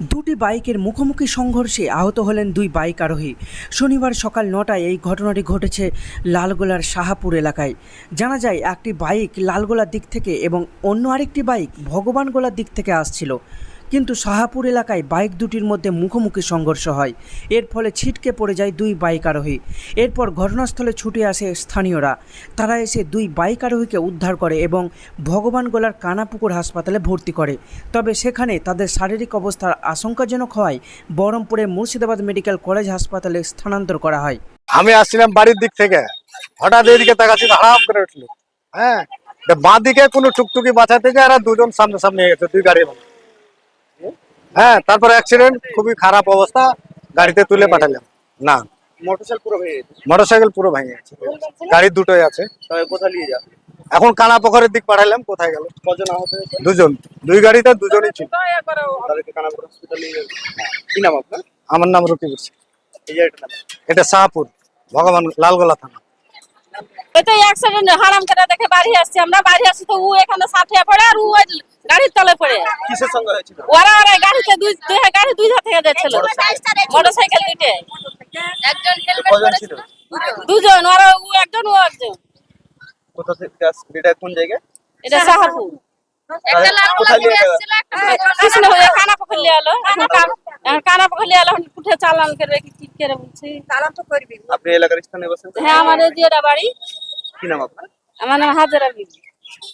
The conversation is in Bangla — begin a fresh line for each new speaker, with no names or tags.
দুটি বাইকের মুখোমুখি সংঘর্ষে আহত হলেন দুই বাইক আরোহী। শনিবার সকাল ৯টায় এই ঘটনাটি ঘটেছে লালগোলার শাহাপুর এলাকায়। জানা যায় একটি বাইক লালগোলার দিক থেকে এবং অন্য আরেকটি বাইক ভগবানগোলার দিক থেকে আসছিল, কিন্তু শাহাপুর এলাকায় বাইক দুটির মধ্যে মুখোমুখি সংঘর্ষ হয়। এর ফলে ছিটকে পড়ে যায় দুই বাইক আরোহী। এরপর ঘটনাস্থলে ছুটে আসে স্থানীয়রা। তারা এসে দুই বাইক আরোহীকে উদ্ধার করে এবং ভগবানগোলার কানাপুকুর হাসপাতালে ভর্তি করে। তবে সেখানে তাদের শারীরিক অবস্থার আশঙ্কাজনক হওয়ায় বহরমপুরের মুর্শিদাবাদ মেডিকেল কলেজ হাসপাতালে স্থানান্তর করা হয়।
আমি আসছিলাম বাড়ির দিক থেকে, হঠাৎ এদিকে তাকাচ্ছি, হারাম করে উঠলো। হ্যাঁ, বাঁ দিকে কোনো টুকটুকি বাঁচাতে যায় আর দুজন সামনে সামনে গেছে, দুই গাড়ি। হ্যাঁ, তারপর অ্যাক্সিডেন্ট, খুবই খারাপ অবস্থা, গাড়িতে তুলে পাঠালাম। না, মোটরসাইকেল পুরো ভেঙে গেছে, গাড়ি দুটোই আছে।
কোথায় নিয়ে যাবে?
এখন কানাপোখরের দিক পাঠালাম। কোথায় গেল?
কজন আহত হয়েছে?
দুজন, দুই গাড়িতে দুজনই ছিল।
তাদেরকে কানাপুর হসপিটাল নিয়ে যাবে। কি নাম আপনার?
আমার নাম রকিবুর।
এই জায়গাটার নাম?
এটা শাহপুর, ভগবান লালগোলা থানা।
ওই তো অ্যাক্সিডেন্ট হারাম করে দেখে বাড়ি আসছি, আমরা বাড়ি আসছি তো ও এখানে সাথে পড়ে আর ও গাড়ির তলে পড়ে।
কিসের সঙ্গে হয়েছিল?
ওরা গাড়িতে দুই ধার থেকে যাচ্ছিল, মোটরসাইকেল দুইটে। একজন হেলমেট
কজন
পরে
ছিল?
দুজন, ওরা ও একজন ও একজন।
কোথা থেকে এটা কোন জায়গায়?
এটা শাহপুর। একটা
কোথায় নিয়ে যাবে?
কৃষ্ণ হয়ে কানা পকড়লে এলো, কানা পকড়লে এলো, উঠে চালান করবে কি করে বলছি, চালান তো করবি।
আপনি এলাকার স্থানে বসেন?
হ্যাঁ, আমার এই যে বাড়ি।
কি নাম আপনার?
আমার নাম হাজারা বিবি।